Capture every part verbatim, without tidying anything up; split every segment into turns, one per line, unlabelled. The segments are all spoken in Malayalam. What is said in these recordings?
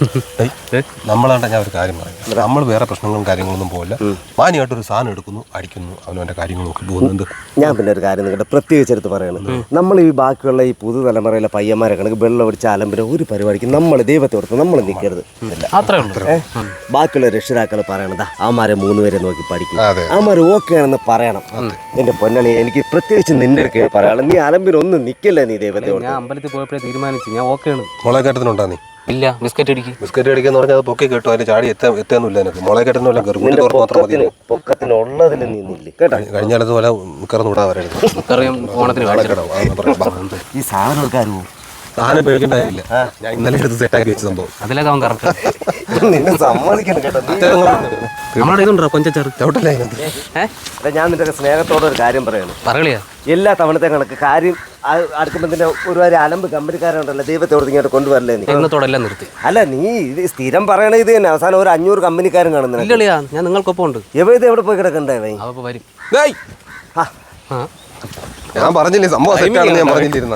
നമ്മളാണ്ട ഞാൻ ഒരു കാര്യം പറയാം, നമ്മൾ വേറെ പ്രശ്നങ്ങളും കാര്യങ്ങളൊന്നും പോകില്ല. മാനിയായിട്ടൊരു സാധനം എടുക്കുന്നു, അടിക്കുന്നു, അവനവൻ്റെ കാര്യങ്ങൾ നോക്കി പോകുന്നുണ്ട്.
ഞാൻ പിന്നെ ഒരു കാര്യം നിങ്ങളുടെ പ്രത്യേകിച്ചെടുത്ത് പറയണം, നമ്മൾ ഈ ബാക്കിയുള്ള ഈ പുതുതലമുറയിലെ പയ്യന്മാരെ കണക്ക് വെള്ളം അടിച്ച അലമ്പിന് ഒരു പരിപാടിക്ക് നമ്മൾ ദൈവത്തെ ഓർത്ത് നമ്മൾ നിൽക്കരുത്. ബാക്കിയുള്ള രക്ഷിതാക്കൾ പറയണതാ അവന്മാരെ മൂന്ന് പേരെ നോക്കി പഠിക്കും, അവന്മാർ ഓക്കെ ആണെന്ന് പറയണം. എന്റെ പൊന്നളി, എനിക്ക് പ്രത്യേകിച്ച് നിന്റെ ഒക്കെ പറയാം, നീ അലമ്പിനൊന്നും നിൽക്കില്ല. നീ ദൈവത്തെ
ഞാൻ അമ്പലത്തിൽ പോയപ്പോഴേ തീരുമാനിച്ചു ഞാൻ ഓക്കെയാണ്.
മുളക് കയറ്റത്തിനുണ്ടാ നീ?
ഇല്ല, ബിസ്ക്കറ്റ് അടിക്കും.
ബിസ്ക്കറ്റ് അടിക്കാന്ന് പറഞ്ഞാൽ അത് പൊക്കി കേട്ടോ, അതിന് ചാടി എത്താൻ എത്താന്നില്ല. എനിക്ക് മുളക് കയറ്റുന്നില്ല,
പൊക്കത്തിനുള്ളതിൽ നീന്നില്ലേ കേട്ടോ.
കഴിഞ്ഞ കാലത്ത് പോലെ മിക്കറന്ന് വിടാൻ പറയരുത്.
ഓണത്തിന്
ഈ സാധനം എടുക്കാറുമോ?
സാധനം പേടിക്കണ്ടായില്ല, ഞാൻ ഇന്നലെ എടുത്ത് സെറ്റാക്കി വെച്ച സംഭവം.
അതിലൊക്കെ അവൻ കറക്റ്റ്.
നിന്നെ സമ്മതിക്കണം കേട്ടോ.
നമ്മളെ ഇതുണ്ടോ കൊഞ്ചച്ചെറു
ചവിട്ടല്ലേ?
ഞാൻ നിന്റെ സ്നേഹത്തോടെ ഒരു കാര്യം പറയണം.
പറയളിയാ
എല്ലാ തവണത്തെ കണക്ക് കാര്യം അടുക്കുമ്പോൾ തന്നെ ഒരുപാട് അലമ്പ് കമ്പനിക്കാരുണ്ടല്ലോ, ദൈവത്തോട് ഇങ്ങോട്ട് കൊണ്ടുവരല്ലേ നീ.
എന്നത്തോടെല്ലാം നിർത്തി.
അല്ല, നീ ഇത് സ്ഥിരം പറയണ ഇത് തന്നെ. അവസാനം ഒരു അഞ്ഞൂറ് കമ്പനിക്കാരും കാണുന്നില്ല.
ഇല്ലളിയാ, ഞാൻ നിങ്ങൾക്കൊപ്പം ഉണ്ട്.
എവിടെ എവിടെ പോയി കിടക്കണ്ടേ?
അവ വരും.
ഞാൻ പറഞ്ഞില്ലേ സംഭവം സെറ്റാണെന്ന് ഞാൻ പറഞ്ഞിട്ടിരുന്ന.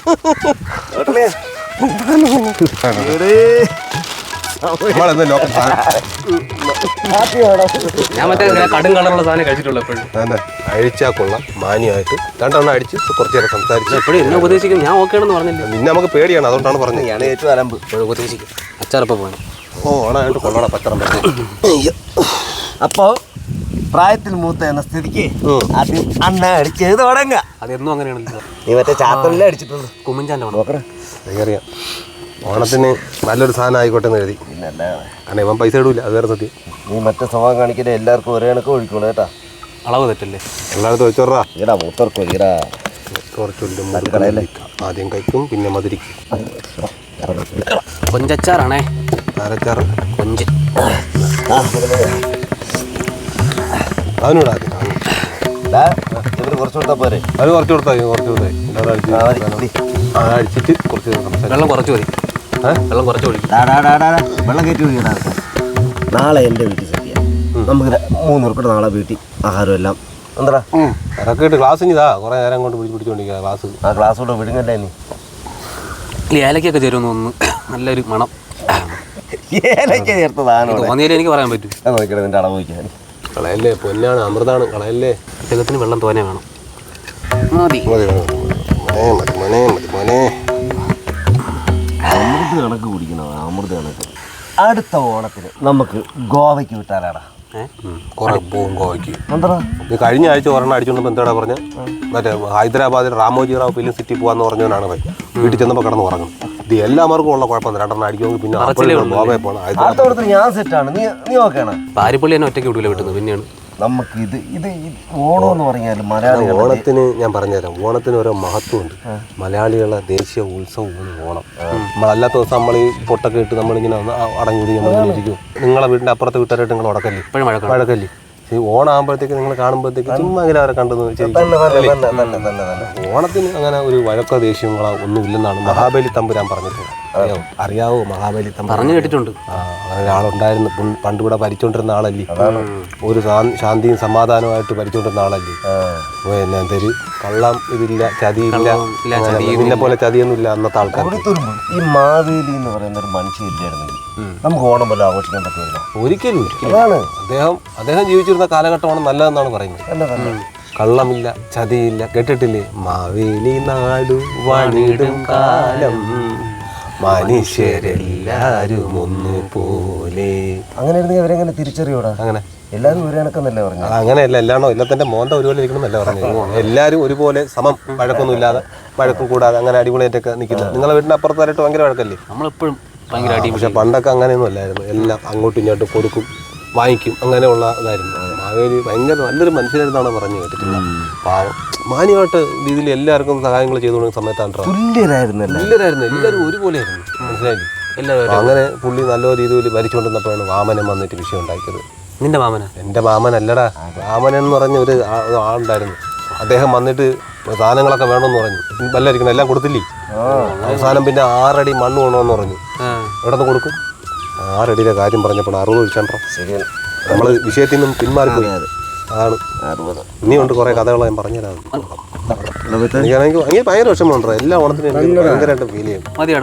ഞാൻ മറ്റേ കടും കളറുള്ള സാധനം കഴിച്ചിട്ടുള്ളൂ എപ്പോഴും.
അഴിച്ചാ കൊള്ളാം, മാന്യമായിട്ട് രണ്ടെണ്ണം അടിച്ച് കുറച്ചു നേരം സംസാരിച്ചു.
എപ്പോഴും എന്നെ ഉപദേശിക്കും, ഞാൻ ഓക്കെ ആണെന്ന് പറഞ്ഞില്ല.
നിന്നെ നമുക്ക് പേടിയാണ്, അതുകൊണ്ടാണ് പറഞ്ഞത്.
ഞാൻ ഏറ്റവും അലമ്പ്
ഉപദേശിക്കും. അച്ചാറപ്പം പോകണം.
ഓ ഓണായിട്ട് കൊള്ളണ പത്രം.
അപ്പോ പ്രായത്തിൽ മൂത്ത എന്ന സ്ഥിതിക്ക് ആദ്യം അണ്ണ അടിച്ചത് തുടങ്ങ.
അതെന്നും അങ്ങനെയാണല്ലോ.
നീ മറ്റേ ചാത്തല്ലേ അടിച്ചിട്ടുള്ളൂ.
കുമ്മഞ്ചാൻ്റെ
നോക്കറ അറിയാം. ഓണത്തിന് നല്ലൊരു സാധനം ആയിക്കോട്ടെ എന്ന് എഴുതി. കാരണം ഇവൻ പൈസ ഇടൂല, അത് വേറെ സത്യം.
നീ മറ്റേ സ്വഭാവം കാണിക്കല് എല്ലാവർക്കും ഒരേ കണക്ക് ഒഴിക്കോളൂ കേട്ടാ.
അളവ് തെറ്റല്ലേ?
എല്ലായിടത്തും വെച്ചോറാ.
ഈടാ മൂത്തർക്ക് ഒഴിക്കടാ.
ആദ്യം കഴിക്കും, പിന്നെ മധുരിക്കും.
കൊഞ്ചച്ചാറാണേ.
ആരച്ചാറ്?
കൊഞ്ച്.
അവനോടാ
ഇവര് കുറച്ച് കൊടുത്താൽ പോരെ?
അത് കുറച്ച് കൊടുത്താൽ കുറച്ച് കൊടുത്താൽ അടിച്ചിട്ട് കുറച്ച്
വെള്ളം കുറച്ച് മതി. വെള്ളം കുറച്ച് ഒഴി.
വെള്ളം കയറ്റി ഒഴിക്കടാ. നാളെ എൻ്റെ വീട്ടിൽ സദ്യ. നമുക്ക് മൂന്ന് പേർക്കൂടെ നാളെ വീട്ടിൽ ആഹാരം എല്ലാം എന്താ
അതൊക്കെ ഇട്ട് ക്ലാസ് ഇതാ കുറേ നേരം കൊണ്ട് പിടിച്ച് പിടിച്ചോണ്ടിരിക്കുക ക്ലാസ്.
ആ ക്ലാസ് കൊണ്ട് വിടുങ്ങല്ലേ നീ?
ഈ ഏലക്കൊക്കെ ചേരുമെന്ന് തോന്നുന്നു. നല്ലൊരു മണം.
ഏലക്ക ചേർത്തതാണ്
തോന്നിയാലേ എനിക്ക് പറയാൻ പറ്റും.
നോക്കിയിട്ട് നിന്റെ അളവ് വയ്ക്കാൻ.
കളയല്ലേ, പൊന്നാണ്, അമൃതാണ്, കളയല്ലേ.
അദ്ദേഹത്തിന് വെള്ളം തോനെ വേണം. മതി
മതി മതി മോനെ, മതി മോനെ.
അമൃത് കണക്ക് കുടിക്കണോ? അമൃത് കണക്ക്. അടുത്ത ഓണത്തിന് നമുക്ക് ഗോവയ്ക്ക് വിട്ടാലാടാ.
കുറെ പോകും ഗോവയ്ക്ക്.
എന്താ
നീ കഴിഞ്ഞ ആഴ്ച ഒരെണ്ണം അടിച്ചോണ്ടപ്പോൾ എന്താടാ പറഞ്ഞ? മറ്റേ ഹൈദരാബാദിൽ റാമോജി റാവ് ഫിലിം സിറ്റി പോകാന്ന് പറഞ്ഞവനാണ് പോയി. വീട്ടിൽ ചെന്നപ്പോൾ കിടന്ന് ഉറങ്ങും. ഇത് എല്ലാവർക്കും ഉള്ള കുഴപ്പമില്ല, രണ്ടെണ്ണം അടിക്കുമെങ്കിൽ പിന്നെ ഗോവയിൽ പോകണം.
അടുത്ത ഞാൻ സെറ്റാണ്. നീ നീ ഓക്കെയാണ്?
പാരിപ്പള്ളി തന്നെ ഒറ്റയ്ക്ക് വിടില്ല വിട്ടുന്നത്. പിന്നെയാണ് നമുക്ക്
ഇത് ഇത് ഓണം എന്ന് പറഞ്ഞാൽ മലയാളികൾ
ഓണത്തിന് ഞാൻ പറഞ്ഞുതരാം, ഓണത്തിന് ഓരോ മഹത്വമുണ്ട്. മലയാളികളുടെ ദേശീയ ഉത്സവമാണ് ഓണം. നമ്മളല്ലാത്ത ദിവസം നമ്മൾ ഈ പൊട്ടൊക്കെ ഇട്ട് നമ്മളിങ്ങനെ അടങ്ങി നമ്മളിങ്ങനെ ഇരിക്കും. നിങ്ങളെ വീടിൻ്റെ അപ്പുറത്തെ വീട്ടുകാരായിട്ട് നിങ്ങൾ ഉടക്കല്ലേ, വഴക്കല്ലേ. ഓണം ആകുമ്പോഴത്തേക്ക് നിങ്ങൾ കാണുമ്പോഴത്തേക്ക് ചുമ്മാ അങ്ങനെ അവരെ കണ്ടെന്ന് ഓണത്തിന് അങ്ങനെ ഒരു വഴക്കോ ദേഷ്യങ്ങളോ ഒന്നും ഇല്ലെന്നാണ് മഹാബലി തമ്പുരാൻ പറഞ്ഞിട്ടുള്ളത്. അറിയാവോ? അറിയാവോ മഹാബലി തമ്പുരാൻ? പറഞ്ഞു കേട്ടിട്ടുണ്ട്. ആ അങ്ങനെ ഒരാളുണ്ടായിരുന്നു, പണ്ട് ഇവിടെ ഭരിച്ചോണ്ടിരുന്ന ആളല്ലേ. ഒരു ശാന്തിയും സമാധാനമായിട്ട് ഭരിച്ചോണ്ടിരുന്ന ആളല്ലേ. പിന്നെ എന്തൊരു കള്ളം ഇതില്ല, ചതിയില്ല, ഇതിനെ പോലെ ചതിയൊന്നും ഇല്ല അന്നത്തെ ആൾക്കാർ.
ഈ മാവേലി എന്ന് പറയുന്ന ഒരു മനുഷ്യരില്ലായിരുന്നെങ്കിൽ നമുക്ക് ഓണം പോലെ ആഘോഷിക്കാൻ പറ്റില്ല.
ഒരിക്കലും ഒരിക്കലും. അദ്ദേഹം അദ്ദേഹം ജീവിച്ചിരുന്ന കാലഘട്ടമാണ് നല്ലതെന്നാണ് പറയുന്നത്. കള്ളമില്ല, ചതിയില്ല. കേട്ടിട്ടില്ലേ? മാവേലി നാടു വാണിടും കാലം മനുഷ്യരെല്ലാരും ഒന്നുപോലെ.
അങ്ങനെ ഇരുന്നെങ്കിൽ അവരെങ്ങനെ തിരിച്ചറിയൂടാ? അങ്ങനെ എല്ലാവരും ഒരു കണക്കെന്നല്ലേ പറഞ്ഞു?
അങ്ങനെയല്ല, എല്ലാണോ എല്ലാത്തിന്റെ മോന്ത ഒരുപോലെ ഇരിക്കണമെന്നല്ല പറഞ്ഞു. എല്ലാവരും ഒരുപോലെ സമം, വഴക്കൊന്നും ഇല്ലാതെ, വഴക്കും കൂടാതെ അങ്ങനെ അടിപൊളിയായിട്ടൊക്കെ നിൽക്കുന്നത്. നിങ്ങളെ വീടിന്റെ അപ്പുറത്തായിട്ട് ഭയങ്കര വഴക്കല്ലേ?
നമ്മളെപ്പോഴും ഭയങ്കര അടി. പക്ഷെ
പണ്ടൊക്കെ അങ്ങനെയൊന്നും അല്ലായിരുന്നു. എല്ലാം അങ്ങോട്ടും ഇങ്ങോട്ടും കൊടുക്കും, വാങ്ങിക്കും, അങ്ങനെയുള്ള ഇതായിരുന്നു. മാവേലി ഭയങ്കര നല്ലൊരു മനുഷ്യനായിരുന്നാണ് പറഞ്ഞു കേട്ടിട്ടില്ല. പാവം മാന്യമായിട്ട് രീതിയിൽ എല്ലാവർക്കും സഹായങ്ങൾ ചെയ്തു കൊടുക്കുന്ന സമയത്താണ്
തുല്യരായിരുന്നു
തുല്യരായിരുന്നു എല്ലാവരും ഒരുപോലെയായിരുന്നു. മനസ്സിലായില്ലേ? എല്ലാവരും അങ്ങനെ പുള്ളി നല്ല രീതിയിൽ ഭരിച്ചുകൊണ്ടിരുന്നപ്പോഴാണ് വാമനൻ വന്നിട്ട് വിഷയം ഉണ്ടാക്കിയത്.
നിന്റെ മാമന?
എൻ്റെ മാമനല്ലടാ, വാമനൻ എന്ന് പറഞ്ഞ ഒരു ആളുണ്ടായിരുന്നു. അദ്ദേഹം വന്നിട്ട് സാധനങ്ങളൊക്കെ വേണമെന്ന് പറഞ്ഞു. വല്ലായിരിക്കണം, എല്ലാം കൊടുത്തില്ലേ. അവസാനം പിന്നെ ആറടി മണ്ണ് വേണമെന്ന് പറഞ്ഞു. എവിടെ നിന്ന് കൊടുക്കും? ആറടിയുടെ കാര്യം പറഞ്ഞപ്പോൾ അറുപത് ഒഴിച്ചാണ്ടോ. നമ്മൾ വിഷയത്തിൽ നിന്നും പിന്മാറിപ്പോയി. അതാണ് ഇനിയുണ്ട് കുറേ കഥകൾ ഞാൻ പറഞ്ഞുതരാം. എനിക്ക് ഭയങ്കര വിഷമമുണ്ടോ എല്ലാ ഓണത്തിനും ഭയങ്കരമായിട്ട് ഫീൽ ചെയ്യും.
മതിയാടാ.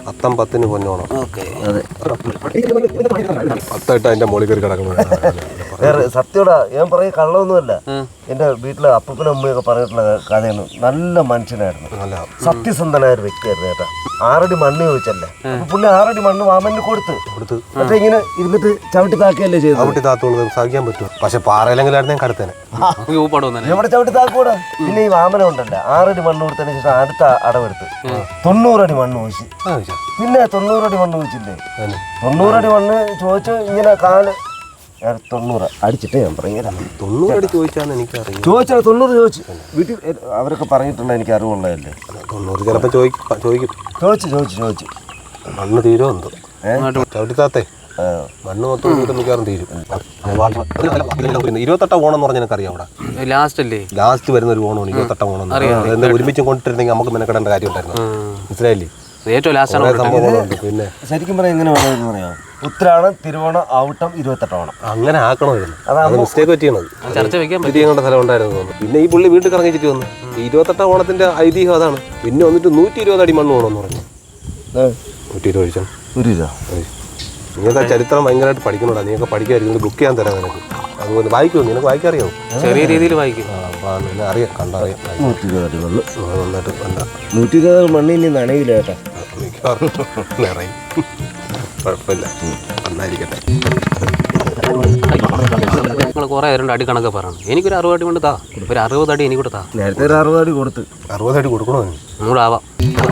അത്തം പത്തിന് പൊന്നോണം.
ഓക്കെ.
അതെ.
പത്തായിട്ട് അതിന്റെ മോളിൽ കയറി കിടക്കണം.
വേറെ സത്യോടാ ഞാൻ പറയും കള്ളമൊന്നുമല്ല. എന്റെ വീട്ടിലെ അപ്പൂപ്പനും അമ്മയൊക്കെ പറഞ്ഞിട്ടുള്ള കഥയാണ്. നല്ല മനുഷ്യനായിരുന്നു, സത്യസന്ധനായ ഒരു വ്യക്തിയായിരുന്നു കേട്ടാ. ആറടി മണ്ണ് ചോദിച്ചല്ലേ, അപ്പൊ പുള്ളി ആറടി മണ്ണ് വാമന് കൊടുത്ത് കൊടുത്ത് മറ്റേ ഇങ്ങനെ ഇരുന്നിട്ട് ചവിട്ടി താക്കുകയല്ലേ ചെയ്തു.
ചവിട്ടി താത്തോണ്ട് സഹിക്കാൻ പറ്റുമോ? പക്ഷെ പാറയിലെങ്കിലായിരുന്നു ഞാൻ കടുത്തേനെ.
എവിടെ ചവിട്ടി താക്കൂടാ. പിന്നെ ഈ വാമന ഉണ്ടല്ലോ, ആറടി മണ്ണ് കൊടുത്തതിന് ശേഷം അടുത്ത അടവെടുത്ത് തൊണ്ണൂറടി മണ്ണ് ചോദിച്ചു. പിന്നെ തൊണ്ണൂറടി മണ്ണ് ചോദിച്ചില്ലേ, തൊണ്ണൂറടി മണ്ണ് ചോദിച്ചു. ഇങ്ങനെ കാല് തൊണ്ണൂറ് അടിച്ചിട്ട് ഞാൻ പറഞ്ഞു
തൊണ്ണൂറടി ചോദിച്ചാന്ന് എനിക്കറിയാം.
ചോദിച്ചാൽ തൊണ്ണൂറ് ചോദിച്ചു. വീട്ടിൽ അവരൊക്കെ പറഞ്ഞിട്ടുണ്ട്, എനിക്ക് അറിവുള്ളതല്ലേ.
തൊണ്ണൂറ് ചിലപ്പോൾ ചോദിക്കും ചോദിക്കും
ചോദിച്ചു ചോദിച്ചു ചോദിച്ചു
മണ്ണ് തീരോ എന്തോ ചവിട്ടിത്താത്തേ. മണ്ണ് മൊത്തം മിക്കവാറും തീരും. ഇരുപത്തെട്ടാം ഓണം എന്ന് പറഞ്ഞാൽ എനിക്കറിയാം. അവിടെ
ലാസ്റ്റ് അല്ലേ,
ലാസ്റ്റ് വരുന്ന ഒരു ഓണമാണ് ഇരുപത്തെട്ടാം ഓണം. എന്താ ഒരുമിച്ച് കൊണ്ടിരുന്നെങ്കിൽ നമുക്ക് മെനക്കെടേണ്ട കാര്യം ഉണ്ടായിരുന്നു. മനസ്സിലായില്ലേ?
ഏറ്റവും ലാസ്റ്റ്
സംഭവങ്ങളുണ്ട്. പിന്നെ
ശരിക്കും പറയാം എങ്ങനെ വേണമെന്ന് പറയാം. ഉത്രാടം, തിരുവോണം, ഔട്ടം, ഇരുപത്തെട്ട് ഓണം അങ്ങനെ
ആക്കണമായിരുന്നു. അത് മിസ്റ്റേക്ക് പറ്റിയത്.
ചർച്ച വെക്കാൻ
തിരിയേണ്ട സ്ഥലം ഉണ്ടായിരുന്നു തോന്നുന്നു. പിന്നെ ഈ പുള്ളി വീട്ടിൽ കറങ്ങിച്ചിട്ട് വന്നു. ഇരുപത്തെട്ടാം ഓണത്തിന്റെ ഐതിഹ്യം അതാണ്. പിന്നെ വന്നിട്ട് നൂറ്റി ഇരുപത് അടി മണ്ണ് വേണമെന്ന് പറഞ്ഞു. നൂറ്റി ഇരുപത് ഒഴിച്ചാൽ നിങ്ങൾക്ക് ചരിത്രം ഭയങ്കരമായിട്ട് പഠിക്കണോടാ. നീയൊക്കെ പഠിക്കായിരിക്കും. ബുക്ക് ചെയ്യാൻ തരാം നിനക്ക്. അതുപോലെ വായിക്കുമോ? നിനക്ക് വായിക്കറിയാമോ?
ചെറിയ രീതിയിൽ വായിക്കും.
പിന്നെ അറിയാം, കണ്ടറിയാം.
നൂറ്റി ഇരുപത് അടി മണ്ണ്
നന്നായിട്ട് വേണ്ട.
നൂറ്റി ഇരുപത് മണ്ണിന് നനയില്ല കേട്ടാ.
നിറയും, കുഴപ്പമില്ല, നന്നായിരിക്കട്ടെ.
നിങ്ങൾ കുറെ രണ്ട് അടി കണക്ക് പറയണം. എനിക്കൊരു അറുപത് അടി കൊണ്ട് താ, ഒരു അറുപത് അടി എനിക്കൂടെ താ.
നേരത്തെ ഒരു അറുപത് അടി കൊടുത്ത്.
അറുപത് അടി കൊടുക്കണോ?
ഒന്നുകൂടെ ആവാം.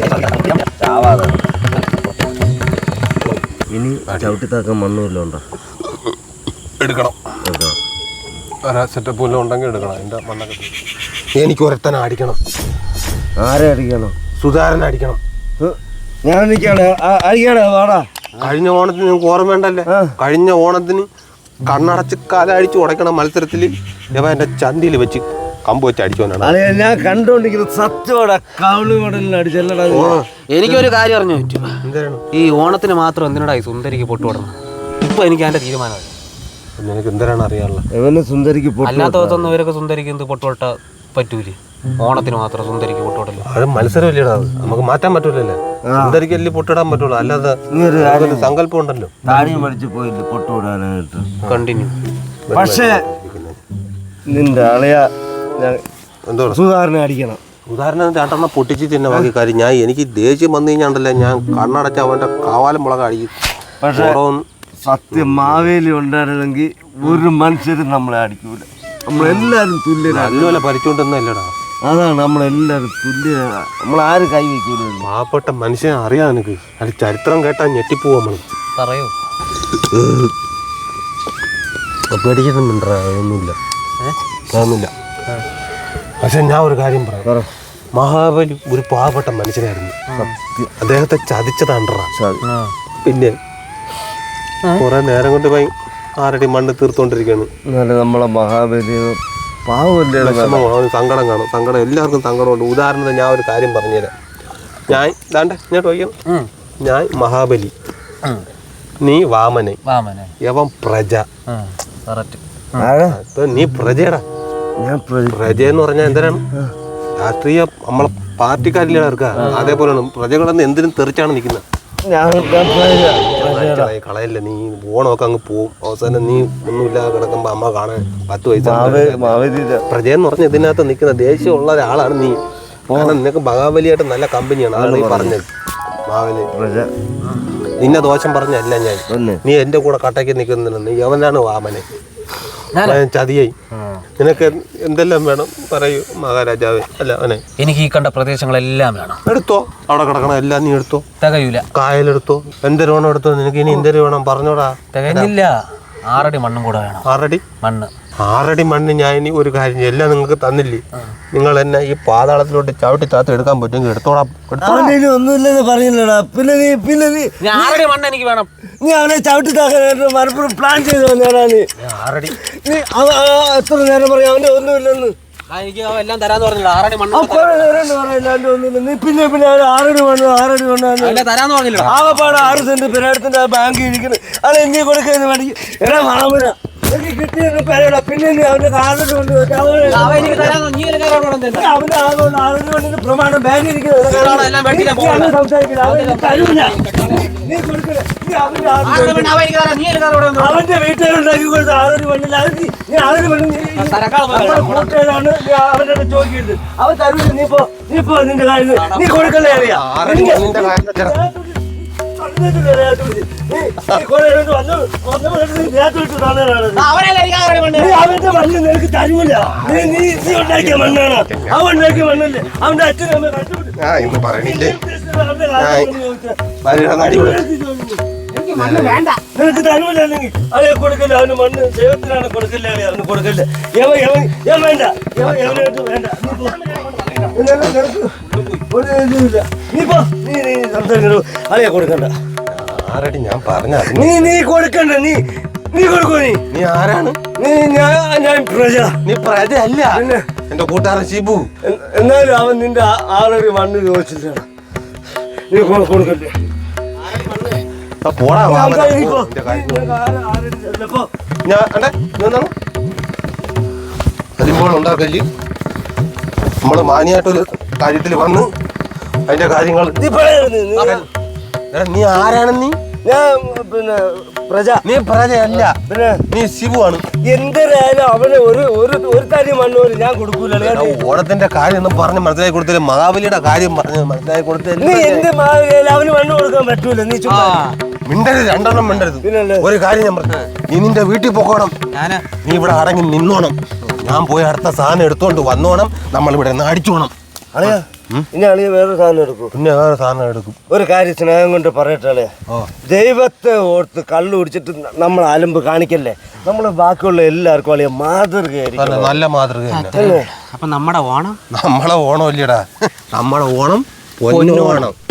ഇനി ചവിട്ടിത്താക്കാൻ മണ്ണുമല്ലോ ഉണ്ടോ?
എടുക്കണം. സെറ്റപ്പ് വല്ലതും ഉണ്ടെങ്കിൽ എടുക്കണം. എൻ്റെ മണ്ണൊക്കെ എനിക്ക് ഒരത്തനെ അടിക്കണം.
ആരെ അടിക്കണം?
സുധാരനെ അടിക്കണം.
ഞാൻ അടിക്കാടാ വാടാ.
കഴിഞ്ഞ ഓണത്തിന് നിങ്ങൾക്ക് ഓർമ്മ വേണ്ടല്ലേ? കഴിഞ്ഞ ഓണത്തിന് കണ്ണടച്ച് കാലടിച്ച് ഉടയ്ക്കണ മത്സരത്തിൽ ഇവ എൻ്റെ ചന്തിയിൽ വെച്ച് കമ്പ് വെച്ച് അടിച്ചോനാണ്.
ഞാൻ കണ്ടോണ്ടിരിക്കുന്നത് സത്യമാടാ. കവിള് മോഡലിൽ അടിച്ചല്ലടാ.
എനിക്കൊരു കാര്യം അറിഞ്ഞു പറ്റും. ഈ ഓണത്തിന് മാത്രം എന്തിനാ ഈ സുന്ദരിക്ക് പൊട്ടുവിടണം? ഇപ്പൊ എനിക്ക് അതിന്റെ തീരുമാനമായി.
നിനക്ക് എന്തിനാണ് അറിയാനുള്ള?
ഇവന് സുന്ദരിക്ക്
അല്ലാത്ത ദിവസം ഇവരൊക്കെ സുന്ദരിക്ക് എന്ത് പൊട്ടുവിട്ട പറ്റൂലേ? ഓണത്തിന് മാത്രം സുന്ദരിക്ക് പൊട്ടുവിടല്ലോ.
അത് മത്സരമില്ലടാ. അത് നമുക്ക് മാറ്റാൻ പറ്റൂലല്ലേ? സുന്ദരിക്ക് അല്ലേ പൊട്ടിടാൻ പറ്റുള്ളൂ. അല്ലാതെ സങ്കല്പം ഉണ്ടല്ലോ.
താടിയും പഠിച്ചു പോയില്ലേ പൊട്ടുവിടാനായിട്ട്.
കണ്ടിന്യൂ.
പക്ഷേ നിന്റെ അളയ
എന്തോ
സുധാരണ അടിക്കണം.
ഉദാഹരണം രണ്ടെണ്ണം പൊട്ടിച്ച് തിന്നെ ബാക്കി കാര്യം. ഞാൻ എനിക്ക് ദേഷ്യം വന്നു കഴിഞ്ഞാണ്ടല്ലേ ഞാൻ കണ്ണടച്ച് അവൻ്റെ കാവാലം മുളക് അടിക്കും.
പക്ഷേ സത്യം മാവേലി ഉണ്ടായിരുന്നെങ്കിൽ ഒരു മനുഷ്യരും നമ്മളെ അടിക്കൂല. നമ്മളെല്ലാരും തുല്യരാണ്.
നല്ലപോലെ ഭരിച്ചുകൊണ്ടൊന്നുമല്ലടാ.
അതാണ് നമ്മളെല്ലാരും തുല്യരാണ്. നമ്മളാരും കൈ വയ്ക്കൂല.
പാവപ്പെട്ട മനുഷ്യനെ അറിയാം എനിക്ക്. അത് ചരിത്രം കേട്ടാൽ ഞെട്ടിപ്പോവും നമ്മൾ.
പറയൂ.
പേടിക്കുന്നുണ്ടാ? ഒന്നുമില്ല, അതൊന്നുമില്ല. പക്ഷെ ഞാൻ ഒരു കാര്യം പറയാം. മഹാബലി ഒരു പാവപ്പെട്ട മനുഷ്യനായിരുന്നു. അദ്ദേഹത്തെ ചതിച്ചതാണ്ടാ. പിന്നെ കുറെ നേരം കൊണ്ട് പോയി ആരടി മണ്ണ് തീർത്തോണ്ടിരിക്കുകയാണ്.
നമ്മളെ മഹാബലി പാവല്ലേ?
സങ്കടം കാണും. സങ്കടം എല്ലാവർക്കും സങ്കടമുണ്ട്. ഉദാഹരണത്തിന് ഞാൻ ഒരു കാര്യം പറഞ്ഞുതരാം. ഞാൻ ദാണ്ടെ ഞാൻ ചോദിക്കാം. ഞാൻ മഹാബലി, നീ വാമനെ, യവൻ പ്രജ. നീ പ്രജയടാ. പ്രജ എന്ന് പറഞ്ഞാൽ എന്തിനാണ്? രാഷ്ട്രീയ നമ്മളെ പാർട്ടിക്കാരില്ലേ ഇറക്കുക. അതേപോലെയാണ് പ്രജകളെന്ന് എന്തിനും തെറിച്ചാണ് നിൽക്കുന്നത്. കളയല്ല. നീ ഓണമൊക്കെ അങ്ങ് പോവും. അവസാനം നീ ഒന്നുമില്ലാതെ കിടക്കുമ്പോ അമ്മ കാണാൻ പത്ത് വയസ്സ്. പ്രജയെന്ന് പറഞ്ഞ ഇതിനകത്ത് നിൽക്കുന്ന ദേഷ്യമുള്ള ഒരാളാണ് നീ. കാരണം നിനക്ക് മഹാബലിയായിട്ട് നല്ല കമ്പനിയാണ്. അതാണ് നീ പറഞ്ഞത്. മഹാബലി നിന്നെ ദോഷം പറഞ്ഞല്ല ഞാൻ. നീ എന്റെ കൂടെ കട്ടയ്ക്ക് നിൽക്കുന്നില്ല. നീ യവനാണ് വാമനെ. ചതിയായി. നിനക്ക് എന്തെല്ലാം വേണം പറയൂ മഹാരാജാവേ. അല്ല അവനെ
എനിക്ക് ഈ കണ്ട പ്രദേശങ്ങളെല്ലാം വേണം.
എടുത്തോ. അവിടെ കിടക്കണം എല്ലാം നീ എടുത്തോ.
തികയൂല.
കായലെടുത്തോ. എന്തൊരു വേണം എടുത്തോ. നിനക്ക് ഇനി എന്തൊരു വേണം പറഞ്ഞോടാ.
തികഞ്ഞില്ല. ആറടി മണ്ണും കൂടെ വേണം.
ആറടി
മണ്ണ്.
ആറടി മണ്ണ് ഞാൻ ഇനി ഒരു കാര്യം എല്ലാം നിങ്ങൾക്ക് തന്നില്ലേ? നിങ്ങൾ എന്നെ ഈ പാതാളത്തിലോട്ട് ചവിട്ടി താത്ത് എടുക്കാൻ പറ്റുമെങ്കിൽ എടുത്തോടാ.
ഒന്നുമില്ലെന്ന് പറഞ്ഞില്ലടാ. പിന്നെ നീ പിന്നെ നീ
ആറടി മണ്ണ് എനിക്ക് വേണം.
നീ അവനെ ചവിട്ടി താക്കാനായിട്ട് മലപ്പുറം പ്ലാൻ ചെയ്ത് വന്നേടാ. നീ
ആറടി
നീ എത്ര നേരം പറയാം അവന്റെ ഒന്നുമില്ലെന്ന്.
എനിക്ക് എല്ലാം തരാന്ന് പറഞ്ഞില്ല. ആറടി മണ്ണ്
ഒന്നുമില്ല. നീ പിന്നെ പിന്നെ ആറടി മണ്ണ് ആറടി മണ്ണ്
തരാന്ന് പറഞ്ഞില്ല.
ആകെപ്പാട് ആറ് സെന്റ് പെരേടത്തിന്റെ ബാങ്ക് ഇരിക്കുന്നു. അത് നീ കൊടുക്കുന്ന വേണമെങ്കിൽ എടാ മാമന എനിക്ക് കിട്ടിയെന്ന് പറയടാ. പിന്നെ നീ അവന്റെ കാറിൽ കൊണ്ട് വെച്ച് അവന്
അവൻ എനിക്ക് തരാന്ന് നീ ഒരു കാര്യം കൊണ്ടുവന്ന് തരുന്നു.
അവന്റെ ആളുകൊണ്ട് ആളുകൊണ്ട് കൊണ്ട് പ്രമാണം ബാങ്കിൽ ഇരിക്കുന്നത്
ഇതാണോ എല്ലാം വെട്ടിയില്ല പോകുന്നത്?
സംസാരിക്കില്ല. അവൻ എനിക്ക് തരൂല. നീ കൊടുക്കണേ. നീ അവന്റെ ആളുകൊണ്ട്
ആളുകൾ വേണ്ട, അവൻ എനിക്ക് തരാം, നീ ഒരു കാര്യം കൊണ്ടുവന്ന് തരുന്നു.
അവന്റെ വീട്ടുകാരുണ്ടാക്കി കൊടുത്ത ആളൊരു പെണ്ണില്ല. അത് നീ നീ ആളൊരു പെണ്ണ്
തരക്കാൾ പോലെ
കൂട്ടുകാരാണ്. നീ അവന്റെ അടുത്ത് ചോദിക്കരുത്. അവൻ തരൂല. നീ പോ നീ പോ നിന്റെ കാര്യം നീ കൊടുക്കല്ലേ അറിയാം.
ആറടി മണ്ണിന്റെ കാര്യം വെച്ചടാ.
അവനല്ലേ എനിക്ക് ആ കാര്യം കൊണ്ടുവന്ന്
അവന്റെ മണ്ണ് നിനക്ക് തരൂല. നീ നീ നീ ഉണ്ടാക്കിയ മണ്ണാണ്. അവൻ ഉണ്ടാക്കിയ മണ്ണല്ലേ. അവന്റെ അച്ഛനും അമ്മ കണ്ടുപിടി.
ആ ഇന്ന് പറയണില്ലേ
അവന്റെ കാര്യം ചോദിച്ചാ
ഭാര്യയുടെ നടി കൂടെ.
എനിക്ക് മണ്ണ് വേണ്ട.
നിനക്ക് തരൂല്ലെങ്കിൽ അവനെ കൊടുക്കല്ലേ. അവന് മണ്ണ് ദൈവത്തിനാണ് കൊടുക്കല്ലേ അറിയാം. അവന് കൊടുക്കല്ലേ. യവൻ യവൻ യവൻ വേണ്ട. യവൻ യവനായിട്ട് വേണ്ട. നീ പോ. ഇതെല്ലാം നിനക്ക് ഒരു ഇതുമില്ല. നീ പോ. നീ നീ സംസാരിക്കണോ അറിയാ കൊടുക്കണ്ട.
ആറടി ഞാൻ പറഞ്ഞ
നീ നീ കൊടുക്കണ്ട. നീ നീ കൊടുക്കോ. നീ
നീ ആരാണ്?
നീ ഞാൻ ഞാൻ പ്രജ.
നീ പ്രജയല്ല
പിന്നെ
എന്റെ കൂട്ടുകാരൻ ഷിബു.
എ- എന്നാലും അവൻ നിന്റെ ആ- ആളൊരു മണ്ണ് ചോദിച്ചിട്ടാണ്. നീ കൊ- കൊടുക്കണ്ടേ.
ആ പോടാ വാ,
ഞാൻ
അവനെ.
നീ പോ.
നിന്റെ കാര്യം.
നീ നിനക്ക് ആരെ- ആരുടെ ചെല്ല. പോ.
ഞാൻ അണ്ടേ എന്താണ് കരിമ്പോൾ ഉണ്ടാക്കല് നമ്മള് മാനിയായിട്ടൊരു കാര്യത്തിൽ വന്ന് അതിന്റെ കാര്യങ്ങൾ
നീ പറയരുത്. നീ
എടാ, നീ ആരാണ്? നീ
ഞാൻ പിന്നെ പ്രജ.
നീ പ്രജയല്ല,
പിന്നെ
നീ ശിവു ആണ്.
എന്തിനായാലും അവന് ഒരു ഒരു ഒരു തരി മണ്ണ് പോലും ഞാൻ കൊടുക്കൂല.
എടാ, ഓണത്തിന്റെ കാര്യം ഒന്നും പറഞ്ഞ് മനസ്സിലാക്കി കൊടുത്തില്ല. മഹാബലിയുടെ കാര്യം പറഞ്ഞ് മനസ്സിലാക്കി
നീ
കൊടുത്തില്ല.
എന്ത് മാറിയാലും അവന് മണ്ണ് കൊടുക്കാൻ പറ്റൂല. നീ
ആ
ചുമ്മാ
മിണ്ടരുത്, രണ്ടെണ്ണം മിണ്ടരുത്.
പിന്നല്ലേ.
ഒരു കാര്യം ഞാൻ പറഞ്ഞു, നീ നിന്റെ വീട്ടിൽ പോക്കോണം.
ഞാന്
നീ ഇവിടെ അടങ്ങി നിന്നോണം. ഞാൻ പോയി അടുത്ത സാധനം എടുത്തോണ്ട് വന്നോണം. നമ്മൾ ഇവിടെ നിന്ന് അടിച്ചോണം.
അളിയാ ഇനി അളിയ വേറൊരു സാധനം എടുക്കും.
പിന്നെ വേറെ സാധനം എടുക്കും.
ഒരു കാര്യം സ്നേഹം കൊണ്ട് പറയട്ടെ അളിയ.
ഓ
ദൈവത്തെ ഓർത്ത് കള്ളു കുടിച്ചിട്ട് നമ്മൾ അലമ്പ് കാണിക്കല്ലേ. നമ്മൾ ബാക്കിയുള്ള എല്ലാവർക്കും അളിയ മാതൃകയായിരിക്കും.
നല്ല നല്ല മാതൃക തന്നെ.
അല്ലേ?
അപ്പൊ നമ്മുടെ ഓണം
നമ്മളെ ഓണം ഇല്ലടാ, നമ്മളെ ഓണം പൊന്നോണം.